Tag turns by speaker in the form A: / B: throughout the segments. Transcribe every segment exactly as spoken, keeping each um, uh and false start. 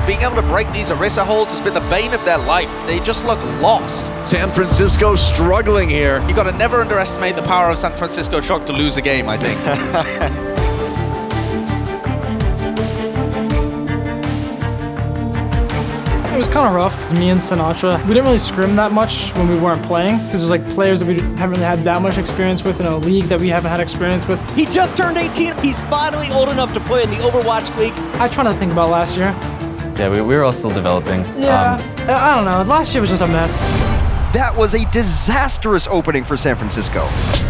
A: being able to break these Orisa holds has been the bane of their life. They just look lost.
B: San Francisco struggling here.
A: You got to never underestimate the power of San Francisco Shock to lose a game, I think.
C: It was kind of rough. Me and Sinatra, we didn't really scrim that much when we weren't playing because it was like players that we haven't really had that much experience with in a league that we haven't had experience with.
D: He just turned eighteen. He's finally old enough to play in the Overwatch League.
C: I try to think about last year.
E: Yeah, we, we were all still developing.
C: Yeah,
E: Um,
C: I don't know. Last year was just a mess.
F: That was a disastrous opening for San Francisco.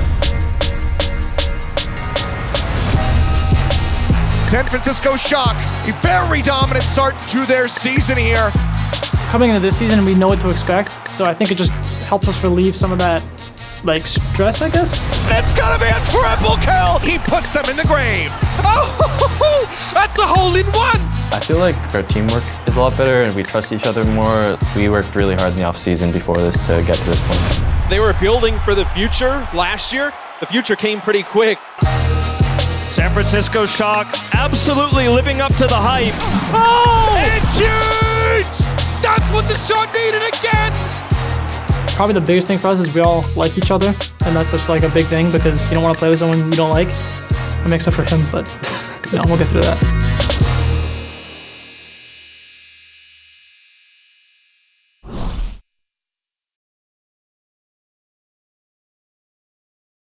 B: San Francisco Shock, a very dominant start to their season here.
C: Coming into this season, we know what to expect, so I think it just helps us relieve some of that, like, stress, I guess.
B: It's gonna be a triple kill! He puts them in the grave. Oh, that's a hole in one!
E: I feel like our teamwork is a lot better and we trust each other more. We worked really hard in the offseason before this to get to this point.
G: They were building for the future last year. The future came pretty quick.
H: San Francisco Shock absolutely living up to the hype.
B: Oh! It's huge! That's what the Shock needed again!
C: Probably the biggest thing for us is we all like each other, and that's just like a big thing because you don't want to play with someone you don't like. I mean, except for him, but you know, we'll get through that.